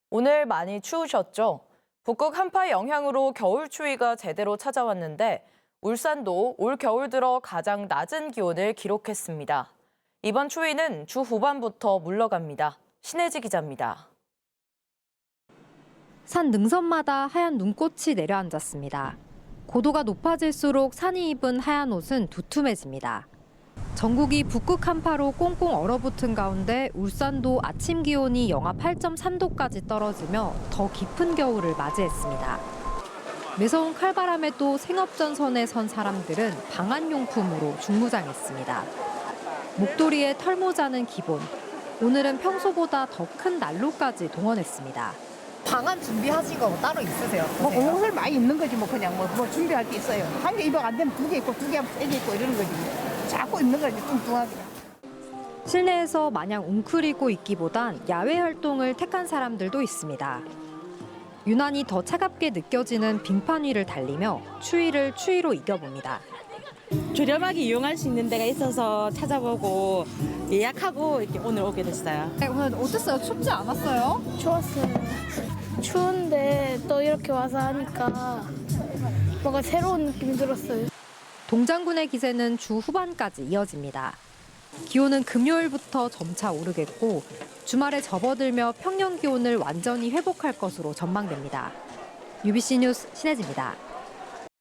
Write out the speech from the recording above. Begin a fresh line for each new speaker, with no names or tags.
오늘 많이 추우셨죠? 북극 한파 영향으로 겨울 추위가 제대로 찾아왔는데 울산도 올 겨울 들어 가장 낮은 기온을 기록했습니다. 이번 추위는 주 후반부터 물러갑니다. 신혜지 기자입니다.
산 능선마다 하얀 눈꽃이 내려앉았습니다. 고도가 높아질수록 산이 입은 하얀 옷은 두툼해집니다. 전국이 북극 한파로 꽁꽁 얼어붙은 가운데 울산도 아침 기온이 영하 8.3도까지 떨어지며 더 깊은 겨울을 맞이했습니다. 매서운 칼바람에도 생업전선에 선 사람들은 방한용품으로 중무장했습니다. 목도리에 털모자는 기본, 오늘은 평소보다 더 큰 난로까지 동원했습니다.
방한 준비하신 거 따로 있으세요?
뭐 옷을 많이 입는 거지 뭐 그냥 뭐 준비할 게 있어요. 한 개 입어 안 되면 두 개 입고 두 개 하면 세 개 입고 이러는 거지. 자꾸 입는 거지 뚱뚱하게.
실내에서 마냥 웅크리고 있기보단 야외 활동을 택한 사람들도 있습니다. 유난히 더 차갑게 느껴지는 빙판 위를 달리며 추위를 추위로 이겨봅니다.
저렴하게 이용할 수 있는 데가 있어서 찾아보고 예약하고 이렇게 오늘 오게 됐어요.
오늘 어땠어요? 춥지 않았어요?
좋았어요. 추운데 또 이렇게 와서 하니까 뭔가 새로운 느낌이 들었어요.
동장군의 기세는 주 후반까지 이어집니다. 기온은 금요일부터 점차 오르겠고 주말에 접어들며 평년 기온을 완전히 회복할 것으로 전망됩니다. UBC 뉴스 신혜지입니다.